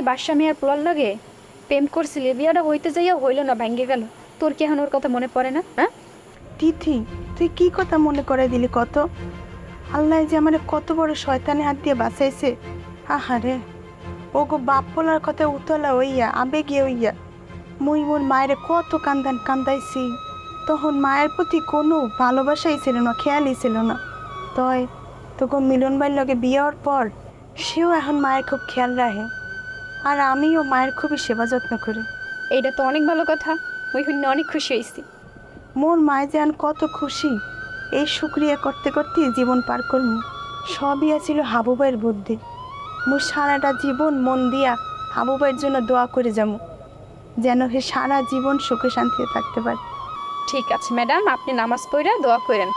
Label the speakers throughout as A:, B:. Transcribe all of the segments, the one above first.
A: বাদশা মিয়ার পোলার লাগে প্রেম করছিলি, বিয়াটা হইতে যাইয়া হইল না, ভাঙ্গে গেল। তোর কি এখন ওর কথা মনে পড়ে না? হ্যাঁ
B: তিথি, তুই কি কথা মনে করে দিলি কত? আল্লাহ যে আমার কত বড় শয়তানে হাত দিয়ে বাঁচাইছে। আহারে, ও গো বাপ পোলার কথা উতলা হইয়া আবেগে হইয়া মুই মোর মায়ের কত কান্দাইছি। তখন মায়ের প্রতি কোনো ভালোবাসাই ছিল না, খেয়ালই ছিল না। তয় তোকে মিলন ভাইয়ের লগে বিয়ার পর সেও এখন মায়ের খুব খেয়াল রাখে, আর আমিও মায়ের খুবই সেবা যত্ন করি।
A: এইটা তো অনেক ভালো কথা, ওই শুনে অনেক খুশি হয়েছি।
B: মোর মায় যেন কত খুশি, এই শুক্রিয়া করতে করতে জীবন পার করমু। সবই আছিল হাবুবাইয়ের বুদ্ধি। মোর সারাটা জীবন মন দিয়া হাবুবাইয়ের জন্য দোয়া করে যাবো, যেন সে সারা জীবন সুখে শান্তিতে থাকতে পারে।
A: ঠিক আছে ম্যাডাম, আপনি নামাজ পড়ে দোয়া করেন।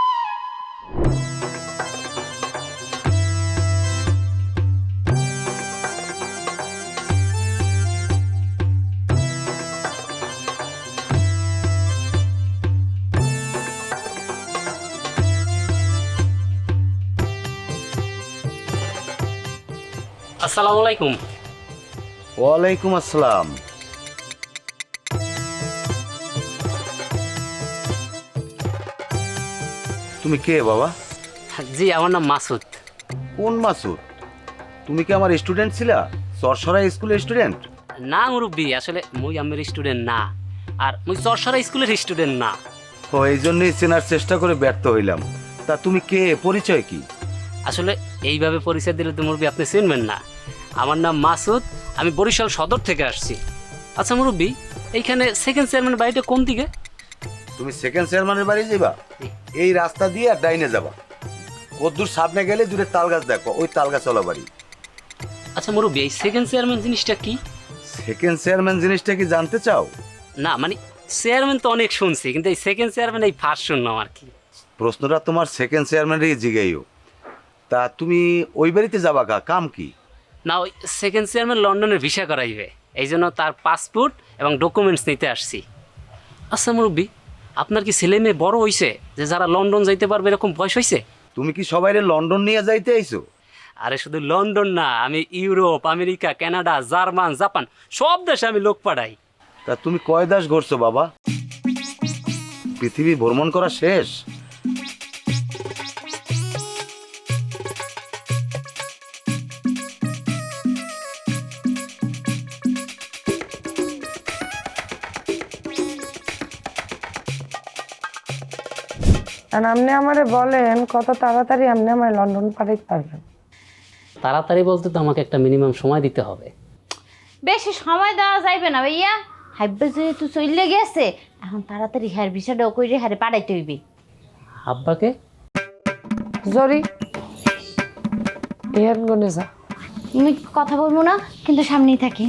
C: আসসালামু আলাইকুম।
D: ওয়ালাইকুম আসসালাম। তুমি কে বাবা?
C: জি, আমার নাম মাসুদ।
D: কোন মাসুদ? তুমি কি আমার স্টুডেন্ট ছিলা, সরসরা স্কুলের স্টুডেন্ট?
C: না মুরব্বী, আসলে মুই আমের স্টুডেন্ট না, আর মুই চরসরা স্কুলের স্টুডেন্ট না।
D: ও, এই জন্যই চেনার চেষ্টা করে ব্যর্থ হইলাম। তা তুমি কে, পরিচয় কি?
C: আসলে এইভাবে পরিচয় দিলে তো মুরব্বী আপনি চিনবেন না। আমার নাম মাসুদ, আমি বরিশাল সদর থেকে আসছি। আচ্ছা মুরব্বী, এইখানে সেকেন্ড চেয়ারম্যান বাড়িটা কোন দিকে?
D: তুমি সেকেন্ড চেয়ারম্যানের বাড়ি যাবা, এই রাস্তা দিয়ে আর ডাইনে যাবা। কদ্দূর সামনে গেলে দূরে তাল গাছ দেখো, ওই তাল গাছ চলা বাড়ি।
C: আচ্ছা মুরব্বী, এই সেকেন্ড চেয়ারম্যান জিনিসটা কি?
D: সেকেন্ড চেয়ারম্যান জিনিসটা কি জানতে চাও?
C: না মানে চেয়ারম্যান তো অনেক শুনছি, কিন্তু এই সেকেন্ড চেয়ারম্যান এই ফার্স্ট শুনলাম আর কি।
D: প্রশ্নটা তোমার সেকেন্ড চেয়ারম্যানেরই জিগাইও। তা তুমি ওই বাড়িতে যাবা কাম কি?
C: না, ওই সেকেন্ড চেয়ারম্যান লন্ডনের ভিসা করাইবে, এই জন্য তার পাসপোর্ট এবং ডকুমেন্টস নিতে আসছি। আচ্ছা মুরব্বী, আপনার কি ছেলে মেয়ে বড় হয়েছে যে যারা লন্ডন যাইতে পারবে এরকম বয়স হয়েছে?
D: তুমি কি সবাইরে লন্ডন নিয়ে যাইতে আইছো?
C: আরে শুধু লন্ডন না, আমি Europe, America, Canada, German, Japan সব দেশে আমি লোক পাঠাই।
D: তা তুমি কয় দাস ঘুরছো বাবা? পৃথিবী ভ্রমণ করা শেষ?
E: আর আপনি আমারে বলেন কত তাড়াতাড়ি আপনি আমার লন্ডন পাঠাইতে পারবেন?
C: তাড়াতাড়ি বলতে তো আমাকে একটা মিনিমাম সময় দিতে হবে।
F: বেশি সময় দেওয়া যাইবে না ভাইয়া, হাইবে যেহেতু চলে গেছে, এখন তাড়াতাড়ি হ্যার বিষয়টাও কইরে হ্যারে পাঠাইতে হইবে।
C: আব্বাকে?
E: জরি ইহান গনে যা।
F: তুমি কথা বলবো না, কিন্তু সামনেই থাকি।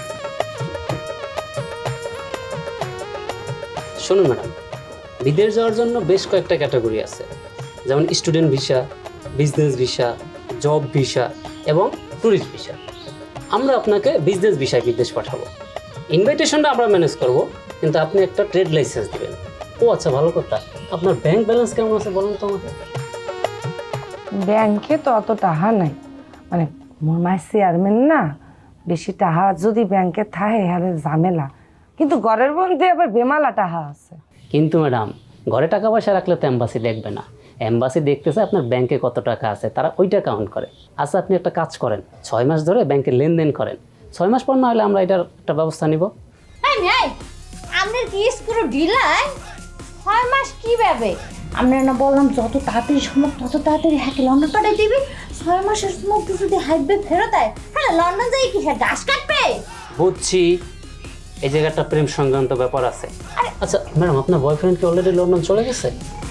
C: শুনুন ম্যাডাম, বিদেশ যাওয়ার জন্য বেশ কয়েকটা ক্যাটাগরি আছে, যেমন student visa, business visa, job visa এবং ট্যুরিস্ট ভিসা। আমরা আপনাকে বিজনেস ভিসায় বিদেশ পাঠাবো। ইনভাইটেশনটা আমরা ম্যানেজ করব, কিন্তু আপনি একটা ট্রেড লাইসেন্স দেবেন। ও আচ্ছা, ভালো কথা, আপনার ব্যাংক ব্যালেন্স কেমন আছে বলুন তো আমাকে।
E: ব্যাংকে তো অত টাকা নাই, মানে মোর মায়ের চেয়ারম্যান না, বেশি টাকা যদি ব্যাংকে থাকে হ্যাঁ ঝামেলা, কিন্তু ঘরের মধ্যে আবার বেমালা টাকা আছে।
C: কিন্তু ম্যাডাম, ঘরে টাকা পয়সা রাখলে তো এম্বাসি দেখবে না। এম্বাসি দেখতেছে আপনার ব্যাংকে কত টাকা আছে, তারা ওইটা কাউন্ট করে। আচ্ছা আপনি একটা কাজ করেন, 6 মাস ধরে ব্যাংকে লেনদেন করেন, 6 মাস পর না হলে আমরা এটার একটা ব্যবস্থা নিব।
F: আপনার কি স্কুল ঢিলাই? 6 মাস কি ভাবে? আমরা না বললাম যত তাড়াতাড়ি সম্ভব তত তাড়াতাড়ি হ্যাকে লন্ডন পাঠাই দিবি। 6 মাসের মধ্যে যদি হাইবে ফেরত আয়, হ্যাঁ লন্ডন যাই কি হ্যাঁ ঘাস কাটবে?
C: বুঝছি, এই জায়গাটা প্রেম সংক্রান্ত ব্যাপার আছে। আচ্ছা ম্যাডাম, আপনার বয়ফ্রেন্ড কি অলরেডি লন্ডন চলে গেছে?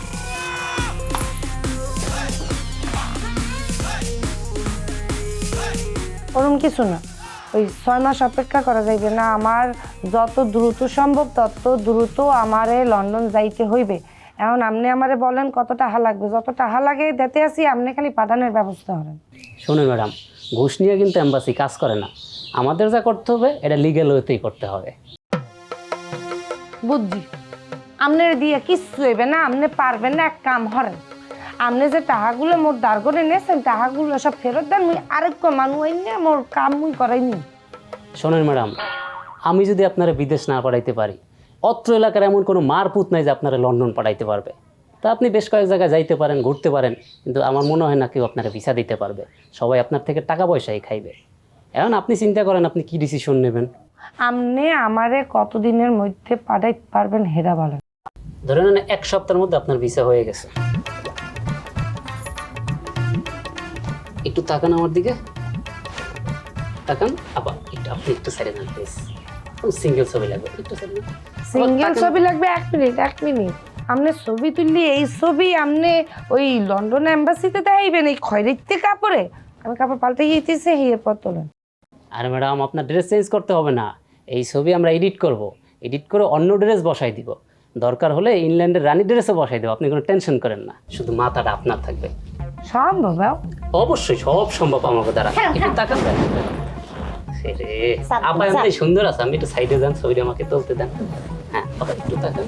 E: ওরকম কিছু না, ওই 6 মাস অপেক্ষা করা যাইবে না। আমার যত দ্রুত সম্ভব তত দ্রুত আমারে লন্ডন যাইতে হইবে। এখন আপনি আমারে বলেন কত টাকা লাগবে, যত টাকা লাগে দিতে আসি, আপনি খালি পাঠানোর ব্যবস্থা করেন।
C: শুনুন ম্যাডাম, ঘুষ নিয়ে কিন্তু এম্বাসি কাজ করে না। আমাদের যা করতে হবে এটা লিগ্যাল ওয়েতেই করতে হবে।
E: বুঝছি, আপনার দিয়ে কিচ্ছু হইবে না, আপনি পারবেন না। এক কাম করেন, আপনি যে টাকাগুলো মোর দাঁড় করে নিয়েছেন টাকাগুলো সব ফেরত দেন, মুই আরেক মানুষ নিয়ে মোর কাম মুই করাইনি।
C: শোনেন ম্যাডাম, আমি যদি আপনারা বিদেশ না পাঠাইতে পারি, অত্র এলাকার এমন কোনো মারপুত নাই যে আপনারা লন্ডন পাঠাইতে পারবে। তা আপনি বেশ কয়েক জায়গায় যাইতে পারেন, ঘুরতে পারেন, কিন্তু আমার মনে হয় না কেউ আপনারা ভিসা দিতে পারবে। সবাই আপনার থেকে টাকা পয়সাই খাইবে। এখন আপনি চিন্তা করেন আপনি কি ডিসিশন নেবেন।
E: আপনি আমারে কতদিনের মধ্যে পাঠাইতে পারবেন হেরা বলেন?
C: ধরে নেন 1 সপ্তাহের মধ্যে আপনার ভিসা হয়ে গেছে। একটু তাকান আমার দিকে, তাকান। আবার একটু আপনি একটু সাইডে যান প্লিজ। সিঙ্গেল ছবি লাগবে, একটু সাইডে যান।
E: সিঙ্গেল ছবি লাগবে? 1 মিনিট। আপনি ছবি তুললি এই ছবি আপনি ওই লন্ডন এম্বাসিতে দেখাইবেন এই খয়রিতে কাপড়ে? আমি কাপড় পাল্টে গিয়েছি এরপর তোলেন।
C: আর ম্যাডাম আপনার ড্রেস চেঞ্জ করতে হবে না, এই ছবি আমরা এডিট করব, এডিট করে অন্য ড্রেস বসাই দিব, দরকার হলে ইংল্যান্ডের রানী ড্রেসও বসাই দেবো। আপনি কোনো টেনশন করেন না, শুধু মাথাটা আপনার থাকবে।
E: সম্ভব?
C: অবশ্যই সব সম্ভব আমাকে দ্বারা। একটু তাকান দেন। আপা এমনি সুন্দর আছে, আমি একটু সাইডে যান, ছবিটা আমাকে তুলতে দেন। হ্যাঁ আপা একটু তাকান।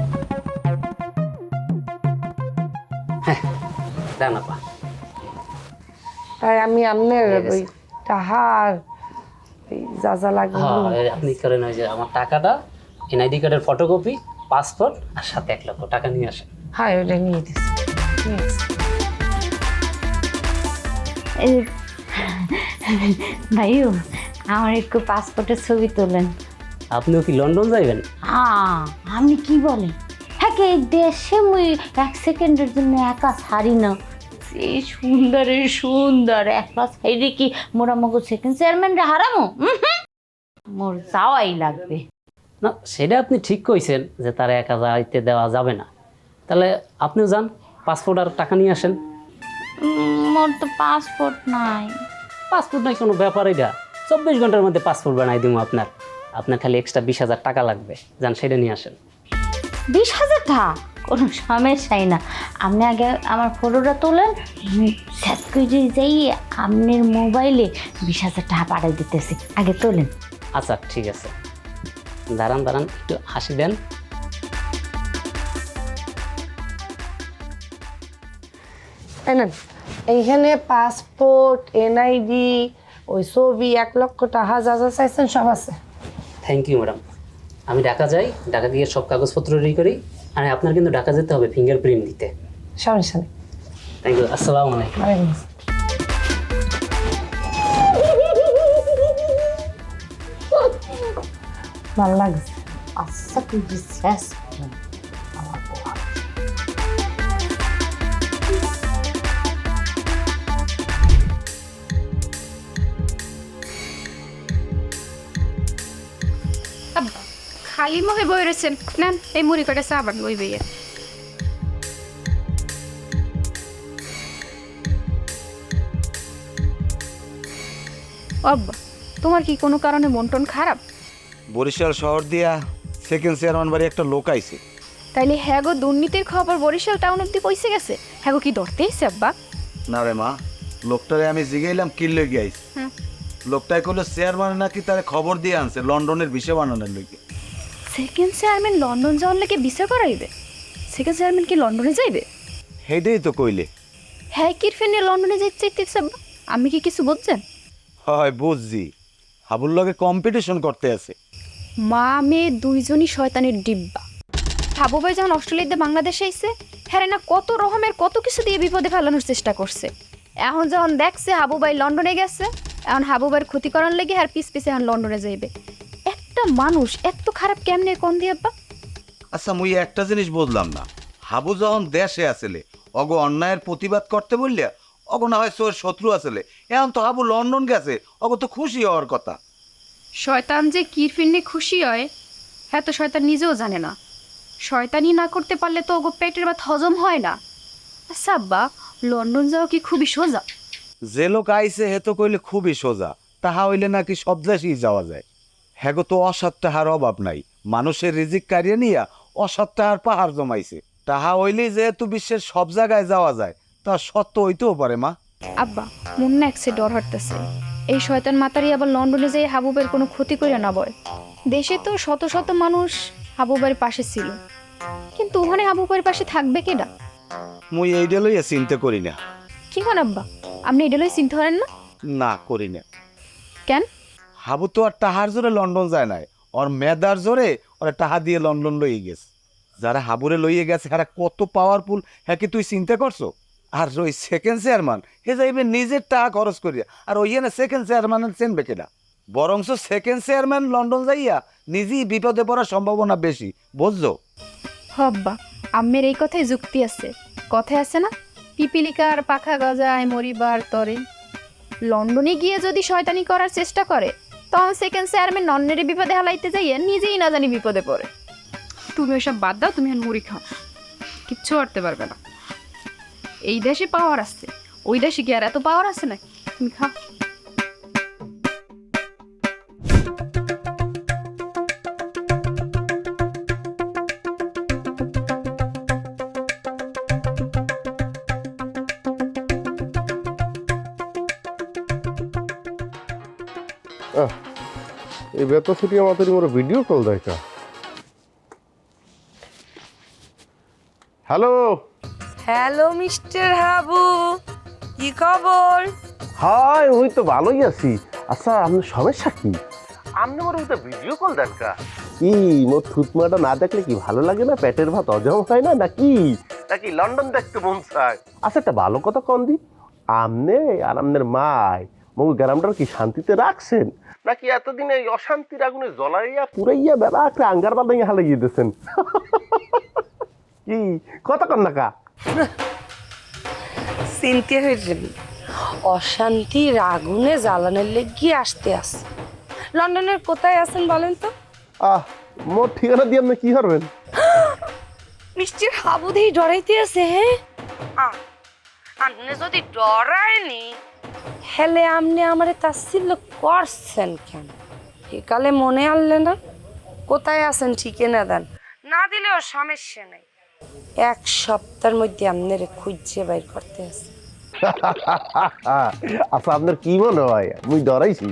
C: হ্যাঁ দেন আপা।
E: তাই আমি আপনার
C: হয়ে গেছে।
E: ওই টাহার ওই যা যা লাগবে
C: হ্যাঁ আপনি করেন ওই যে আমার টাকাটা, এনআইডি কার্ডের ফটোকপি, পাসপোর্ট আর সাথে 1 লক্ষ টাকা নিয়ে আসেন।
E: হ্যাঁ ওটা নিয়ে দিচ্ছি।
F: ভাইও আমার একটু পাসপোর্টের ছবি তোলেন।
C: আপনিও কি লন্ডন যাইবেন?
F: আপনি কি বলেন? হ্যাঁ এই দেশে মুই 1 সেকেন্ডের জন্য একা ছাড়ি না। এই সুন্দরের সুন্দর একলা সাইডে কি মোরা মগো সেকেন্ড চেয়ারম্যানরা হারামো? মোর যাওয়াই লাগবে।
C: না সেটা আপনি ঠিক কইছেন যে তারা একা যাইতে দেওয়া যাবে না। তাহলে আপনিও যান, পাসপোর্ট আর টাকা নিয়ে আসেন।
F: মোর তো পাসপোর্ট নাই।
C: পাসপোর্ট নাই কোনো ব্যাপার, এটা 24 ঘন্টার মধ্যে পাসপোর্ট বানাই দিব আপনার। আপনার খালি এক্সট্রা 20,000 টাকা লাগবে, যান সেটা নিয়ে আসেন।
F: 20,000 টাকা? কোনো সমস্যাই না। আপনি আগে আমার ফটোটা তোলেন, সেট করে যাই আপনার মোবাইলে 20,000 টাকা পাঠিয়ে দিতেছি। আগে তোলেন।
C: আচ্ছা ঠিক আছে, দাঁড়ান দাঁড়ান একটু হাসি দেন।
E: নেন এইখানে পাসপোর্ট, এনআইডি, ওই ছবি, 1 লক্ষ টাকা যা যা চাইছেন সব আছে।
C: Thank you madam. আমি ঢাকা যাই, ঢাকা গিয়ে সব কাগজপত্র রেডি করি। আর আপনার কিন্তু ঢাকা যেতে হবে ফিঙ্গারপ্রিন্ট দিতে।
E: সমস্যা নেই।
C: থ্যাংক ইউ, আসসালামু আলাইকুম।
E: ওয়ালাইকুম আসসালাম। ভালো লাগছে।
F: আচ্ছা তুই শেষ
A: আব্বা খালি মুখে বই রয়েছেন, নেন এই মুড়ি কটা চা বান বই বইয়ে। আব্বা তোমার কি কোনো কারণে মন টন খারাপ?
D: বরিশাল শহর দিয়া সেকেন্ড চেয়ারম্যান বাড়ি একটা লোক আইছে।
A: তাইলে হ্যাঁ গো দুর্নীতির খবর বরিশাল টাউন অব্দি পৌঁছে গেছে? হ্যাঁ গো কি ধরতে এসে আব্বা?
D: না রে মা, লোকটারে আমি জিগাইলাম কি লইগে আইছে।
A: হুম।
D: লোকটাই কইলো চেয়ারম্যান নাকি তারে খবর দিয়ে আনছে লন্ডনের ভিসা বানানোর লইগে।
A: সেকেন্ড চেয়ারম্যান লন্ডন যাওয়ার লাগে বিচার করাইবে? সেকেন্ড চেয়ারম্যান কি লন্ডনে যাইবে?
D: হেইটাই তো কইলে।
A: হ্যাঁ কিরফে নিয়ে লন্ডনে যাইতে চাইতেছে আব্বা? আমি কি কিছু বুঝছেন?
D: হয় বুঝছি, হাবুর লগে কম্পিটিশন করতে আছে।
A: মা মেয়ে দুইজনই শয়তানের ডিব্বা। হাবু ভাই যখন অস্ট্রেলিয়াতে বাংলাদেশে আইছে, হ্যাঁ না কত রকমের কত কিছু দিয়ে বিপদে ফেলানোর চেষ্টা করছে। এখন যখন দেখছে হাবু ভাই লন্ডনে গেছে, এখন হাবু ভাইয়ের ক্ষতি করার লেগে আর পিছে এখন লন্ডনে যাইবে। একটা মানুষ এত খারাপ কেমনে কোন দিয়ে আব্বা?
D: আচ্ছা মুই একটা জিনিস বুঝলাম না, হাবু যখন দেশে আসলে অগ অন্যায়ের প্রতিবাদ করতে বললে অগ না হয় তোর শত্রু আসলে, এখন তো হাবু লন্ডন গেছে, অগ তো খুশি হওয়ার কথা।
A: শয়তান যে কিরফির নিয়ে খুশি হয় হ্যাঁ তো শয়তান নিজেও জানে না। শয়তানি না করতে পারলে তো ওগো পেটের ভাত হজম হয় না। আচ্ছা আব্বা লন্ডন যাওয়া কি খুবই সোজা?
D: যে লোক আইছে হে তো কইলে খুবই সোজা, তাহা হইলে নাকি সব দেশেই যাওয়া যায়। হ্যাগো তো অসৎ টাহার অভাব নাই, মানুষের রিজিক কারিয়ে নিয়া অসৎ টাহার পাহাড় জমাইছে। তাহা হইলেই যেহেতু বিশ্বের সব জায়গায় যাওয়া যায়, তা সত্য হইতেও পারে মা।
A: আব্বা মন না একসে ডর হাঁটতেছে, এই শয়তান মাতারি আবার লন্ডনে যেয়ে হাবুবের কোনো ক্ষতি করে না বয়। দেশে তো শত শত মানুষ হাবুবের পাশে ছিল, কিন্তু ওখানে হাবুবের পাশে থাকবে কেডা?
D: মুই এইটা লইয়া চিন্তা করি না।
A: কি কোন আব্বা আপনি এটা লই চিন্তা করেন না?
D: না করি না।
A: কেন?
D: হাবু তো আর টাহার জোরে লন্ডন যায় নাই, ওর মেদার জোরে ওরা টাহা দিয়ে লন্ডন লইয়ে গেছে। যারা হাবুরে লইয়ে গেছে হ্যাঁ কত পাওয়ারফুল, হ্যাঁ কি তুই চিন্তা করছো? আর ওই সেকেন্ড চেয়ারম্যান হে যাইবে নিজের টাকা খরচ করিয়া, আর ওই না সেকেন্ড চেয়ারম্যানের চেনবে কেনা? বরংস সেকেন্ড চেয়ারম্যান লন্ডন যাইয়া নিজেই বিপদে পড়ার সম্ভাবনা বেশি, বুঝছো?
A: হব্বা আম্মের এই কথায় যুক্তি আছে। কথায় আছে না, পিপিলিকার পাখা গজায় মরিবার তরে। লন্ডনে গিয়ে যদি শয়তানি করার চেষ্টা করে, তখন সেকেন্ড চেয়ারম্যান নন্নের বিপদে হালাইতে যাইয়ে নিজেই না জানি বিপদে পড়ে। তুমি ওইসব বাদ দাও, তুমি এখন মুড়ি খাও, কিচ্ছু করতে পারবে না। এই দেশে পাওয়ার আছে, ওই দেশে কি আর এত পাওয়ার আছে নাকি? তুমি খাও।
G: এই বেতা ছুটি আমাদের মোর ভিডিও কল দেখা। হ্যালো
E: হ্যালো মিস্টার হাবু, কি খবর?
G: হাই, ওই তো ভালোই আছি। আচ্ছা আপনার সমস্যা কি? আপনি মোর ওটা ভিডিও কল দেখা কি? মোর থুতমাটা না দেখলে কি ভালো লাগে না? পেটের ভাত হজম হয় না নাকি? নাকি লন্ডন দেখতে মন চায়? আচ্ছা একটা ভালো কথা কন দি, আমনে আর আপনার মায় মগ গ্রামটার কি শান্তিতে রাখছেন, নাকি এতদিন এই অশান্তির আগুনে জ্বলাইয়া পুরাইয়া বেলা একটা আঙ্গার বাদাইয়া হালাইয়া দিয়েছেন? কি কথা কন না কা?
E: চিনতে হয়েছে, অশান্তির আগুনে জ্বালানোর লেগে আসতে আসে। লন্ডনের কোথায় আছেন বলেন তো?
G: মোর ঠিকানা দিয়ে আপনি কি করবেন?
E: মিস্টার হাবু দিয়ে ডরাইতে আছে। হ্যাঁ, আপনি যদি ডরায়নি হেলে আপনি আমারে তাচ্ছিল্য করছেন কেন? একালে মনে আনলে না? কোথায় আছেন ঠিকানা দেন, না দিলেও সমস্যা নেই। 1 সপ্তাহের মধ্যে আপনারে খুঁজে বাইর করতে আছে।
G: আচ্ছা আপনার কি মনে হয় মুই ডরাইছি?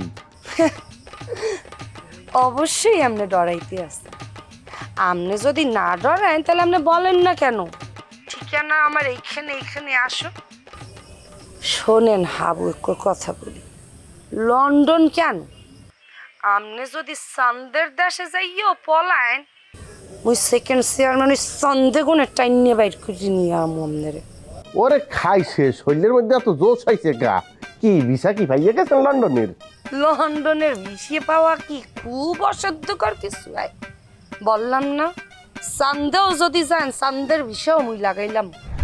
E: অবশ্যই আপনি ডরাইতে আছে। আপনি যদি না ডরান তাহলে আপনি বলেন না কেন ঠিকানা আমার এইখানে আসো। শোনেন হাবু, একটু কথা বলি। লন্ডন কেন, আপনি যদি চান্দের দেশে যাইও পলায়ন, ওই সেকেন্ড চেয়ারম্যান ওই চান্দে গুণে টাইনে বাইর করে নিয়ে আমু আপনারে।
G: ওরে খাইছে, শরীরের মধ্যে এত জোশ হয়েছে গা। কি ভিসা কি ভাইয়া গেছেন লন্ডনের?
E: লন্ডনের ভিসিয়ে পাওয়া কি খুব অসাধ্যকর কিছু? বললাম না, চান্দেও যদি যান চান্দের ভিসাও মুই লাগাইলাম।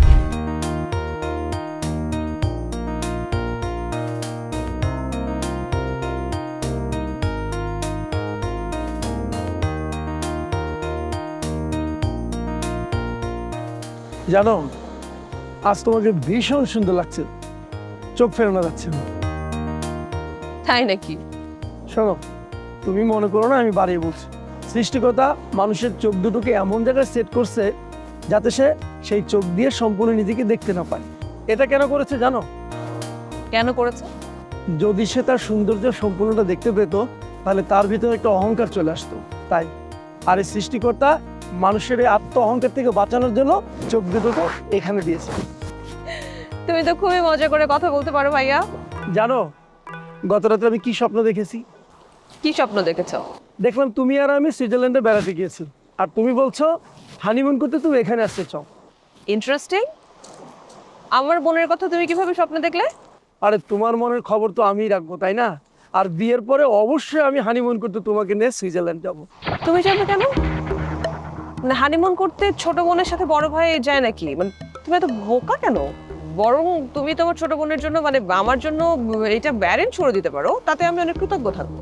H: জানো, আজ তোমাকে ভীষণ সুন্দর লাগছে, চোখ ফেরানো যাচ্ছে না।
I: তাই নাকি?
H: শোনো, তুমি মনে করো না আমি বাড়িয়ে বলছি। সৃষ্টিকর্তা মানুষের চোখ দুটোকে এমন জায়গায় সেট করছে যাতে সে সেই চোখ দিয়ে সম্পূর্ণ নিজেকে দেখতে না পায়। এটা কেন করেছে জানো?
I: কেন করেছে?
H: যদি সে তার সৌন্দর্য সম্পূর্ণটা দেখতে পেত তাহলে তার ভিতরে একটা অহংকার চলে আসতো। তাই আর এই সৃষ্টিকর্তা মানুষের এই আত্ম অহংকার থেকে বাঁচানোর জন্য চোখ দুটোকে এখানে দিয়েছে।
I: তুমি তো খুবই মজা করে কথা বলতে পারো ভাইয়া।
H: জানো, গত রাতে আমি কি স্বপ্ন দেখেছি?
I: কি স্বপ্ন দেখেছো?
H: দেখলাম তুমি আর আমি সুইজারল্যান্ডে বেড়াতে গিয়েছি, আর তুমি বলছো হানিমুন করতে তুমি এখানে আসতে চাও।
I: ইন্টারেস্টিং। আমার বোনের কথা তুমি কিভাবে স্বপ্ন দেখলে?
H: আরে তোমার মনের খবর তো আমিই রাখবো, তাই না? আর বিয়ের পরে অবশ্যই আমি হানিমুন করতে তোমাকে নিয়ে সুইজারল্যান্ড যাবো।
I: তুমি যাবে কেন? মানে হানিমুন করতে ছোট বোনের সাথে বড় ভাই যায় নাকি? মানে তুমি এত বোকা কেন? বরং তুমি তোমার ছোট বোনের জন্য মানে আমার জন্য এটা ব্যারেন্ট করে দিতে পারো, তাতে আমি অনেক কৃতজ্ঞ থাকবো।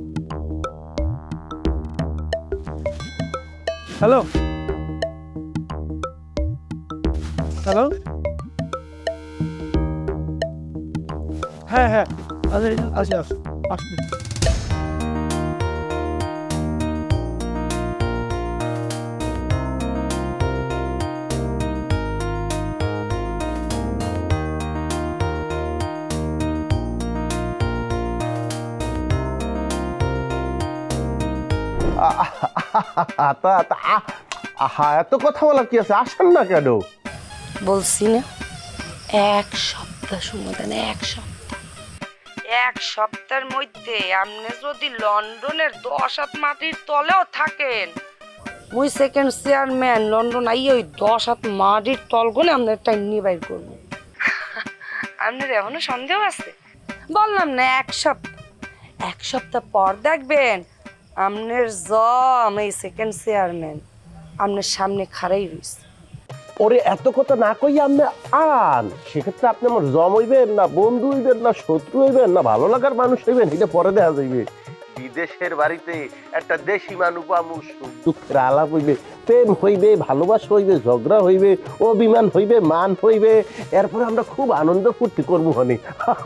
H: হ্যালো হ্যালো, হ্যাঁ হ্যাঁ, আচ্ছা আসি আসছি।
G: এত কথা বলার কি আছে? আসেন না কেন?
E: বলছি না, 1 সপ্তাহ সময় দেন, 1 সপ্তাহ। এক সপ্তাহের মধ্যে আপনি যদি লন্ডনের 10 হাত মাটির তলেও থাকেন, মুই সেকেন্ড চেয়ারম্যান লন্ডন আইয়ে ওই 10 হাত মাটির তলগুলো আপনার টাইম নিয়ে বাইর করবো। আপনার এখনো সন্দেহ আছে? বললাম না এক সপ্তাহ পর দেখবেন আপনার জম এই সেকেন্ড চেয়ারম্যান আপনার সামনে খাড়াই রয়েছে।
G: ওরে এত কথা না কই আপনি আন, সেক্ষেত্রে আপনি আমার জম হইবেন না বন্ধু হইবেন না শত্রু হইবেন না ভালো লাগার মানুষ হইবেন, এটা পরে দেখা যাইবে। বিদেশের বাড়িতে একটা দেশি মানুষ পামু, সুখ দুঃখের আলাপ হইবে, প্রেম হইবে, ভালোবাসা হইবে, ঝগড়া হইবে, অভিমান হইবে, মান হইবে, এরপরে আমরা খুব আনন্দ ফুর্তি করবো হনি।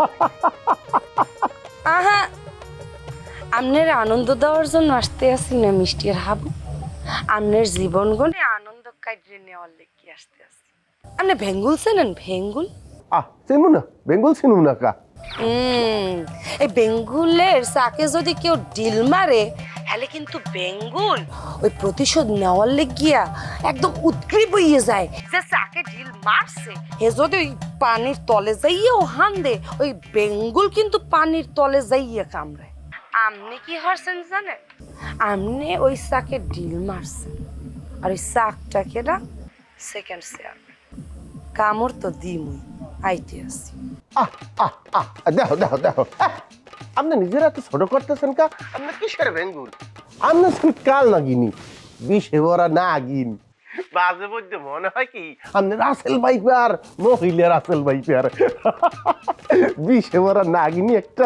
E: আহা, আপনার আনন্দ দেওয়ার জন্য আসতে আসি না মিষ্টির হাবু, আপনার জীবন গনে আনন্দ কাটিয়ে নেওয়ার লেগে আসতে আসি। আপনি ভেঙ্গুল চেনেন? ভেঙ্গুল
G: চিনু না, বেঙ্গল চিনু না কা?
E: এই বেঙ্গুলের চাকে যদি কেউ ডিল মারে হলে কিন্তু বেঙ্গুল ওই প্রতিশোধ নেওয়ার লেগিয়া একদম উৎগ্রীব হইয়ে যায় যে চাকে ডিল মারছে। হে যদি ওই পানির তলে যাইয়েও হান দে, ওই বেঙ্গুল কিন্তু পানির তলে যাইয়ে কামড়ায়। আপনি কি হরছেন জানেন? আপনি ওই চাকে ডিল মারছেন, আর ওই চাকটাকে না সেকেন্ড চেয়ারম্যান কামড় তো দিমুই আইতে আসি।
G: দেখো দেখো দেখো, আপনি নিজেরা এত ছোট করতেছেন কা? আপনি কিসের বেঙ্গুল? আপনি কাল নাগিনি, বিষে ভরা নাগিন। মাঝে মধ্যে মনে হয় কি আপনি রাসেল ভাইপার, মহিলা রাসেল ভাইপার, বিষে ভরা নাগিনি একটা।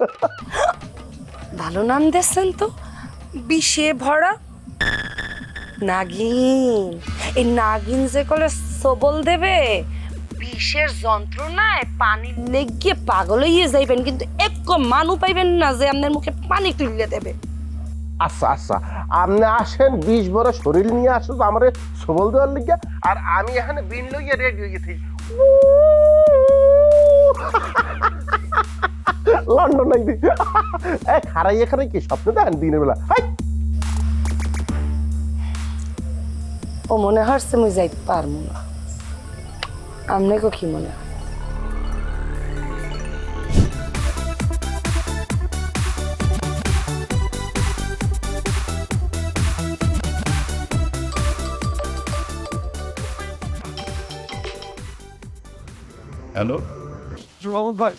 E: ভালো নাম দিয়েছেন তো, বিষে ভরা নাগিন। এই নাগিন যে কলে সবল দেবে, বিষের যন্ত্রণায় পানি লেগে পাগল হইয়ে যাইবেন, কিন্তু এক মানু পাইবেন না যে আপনার মুখে পানি তুলে দেবে।
G: আচ্ছা আচ্ছা, আপনি আসেন 20 বড় শরীর নিয়ে আসো আমার সবল দেওয়ার লিগে, আর আমি এখানে বিন লইয়া রেডি হয়ে গেছি লন্ডন আইবি। খারাই এখানে কি স্বপ্ন দেখেন দিনের বেলা?
E: ও মনে হচ্ছে মুই যাই পারবো না। আপনাকে কি মনে হয়?
J: হ্যালো
H: রহমত ভাই,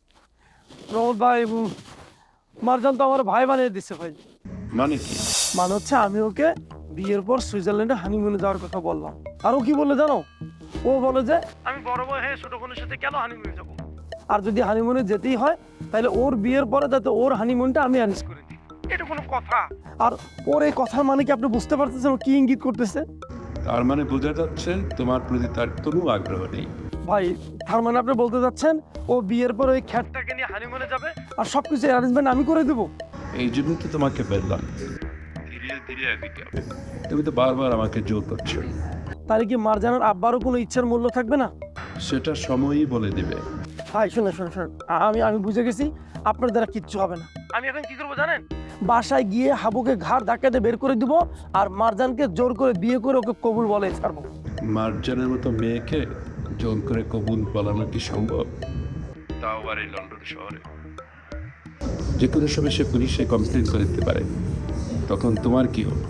H: মারজান তো আমার ভাই বানিয়ে দিচ্ছে ভাই।
J: মানে কি?
H: মানে হচ্ছে আমি ওকে বিয়ের পর সুইজারল্যান্ডে হানিমুনে যাওয়ার কথা বললাম, আর ও কি বলে জানো? ও বলে যে আমি বড় ভাই হয়ে ছোট বোনের সাথে কেন হানিমুনে যাবো, আর যদি হানিমুনে যেতেই হয় তাহলে ওর বিয়ের পরে যাতে ওর হানিমুনটা আমি অ্যারেঞ্জ করে দিই। এটা কোনো কথা? আর ওর এই কথার মানে কি আপনি বুঝতে পারতেছেন ও কি ইঙ্গিত করতেছে?
J: তার মানে বোঝা যাচ্ছে তোমার প্রতি তার কোনো আগ্রহ নেই।
H: ভাই তার মানে আপনি বলতে যাচ্ছেন ও বিয়ের পর ওই খ্যাটটাকে নিয়ে হানিমুনে যাবে আর সবকিছু অ্যারেঞ্জমেন্ট আমি করে দেবো?
J: এই জন্য তো তোমাকে বললাম ধীরে ধীরে এদিকে হবে। তুমি তো বারবার আমাকে জোর করছো।
H: তাহলে কি মারজানের আব্বারও কোনো ইচ্ছার মূল্য থাকবে না?
J: সেটা সময়ই বলে দিবে।
H: ভাই শুনে আমি বুঝে গেছি আপনার দ্বারা কিচ্ছু হবে না। আমি এখন কি করবো জানেন? বাসায় গিয়ে হাবুকে ঘাড় ধাক্কাতে বের করে দিব, আর মারজানকে জোর করে বিয়ে করে ওকে কবুল বলে ছাড়বো।
J: মার্জানের মতো মেয়েকে জোর করে কবুল বলানো কি সম্ভব? তাও আবার এই লন্ডন শহরে। যে কোনো সময় সে পুলিশে কমপ্লেন করে দিতে পারে, তখন তোমার কি হবে?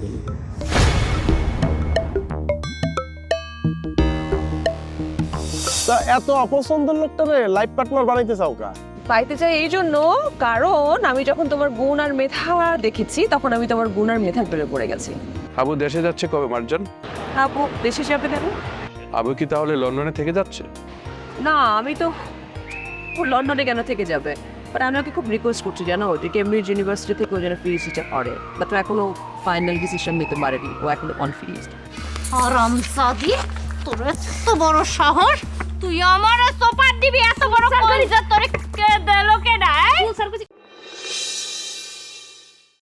K: তা এত অপছন্দের লোকটারে লাইফ পার্টনার বানাইতে চাও কা?
I: পাইতে চাই এই জন্য, কারণ আমি যখন তোমার গুণ আর মেধা দেখেছি তখন আমি তোমার গুণ আর মেধার প্রেমে পড়ে গেছি।
K: আবু দেশে যাচ্ছে কবে মার্জান?
I: আপু দেশে যাবে কেন?
K: আবু কি তাহলে লন্ডনে থেকে যাচ্ছে?
I: না, আমি তো লন্ডনে কেন থেকে যাবে, বাট আমি ওকে খুব রিকোয়েস্ট করছি জানো, যে কেমব্রিজ ইউনিভার্সিটি থেকে ও যেন পিএইচডিটা করে, বাট ও এখনো ফাইনাল ডিসিশন নিতে পারেনি, ও এখনো কনফিউজড।
F: হারামজাদি, তোর এত বড় সাহস, তুই আমারে সোপার দিবি? এত বড় কলিজা তোরে কে দিলো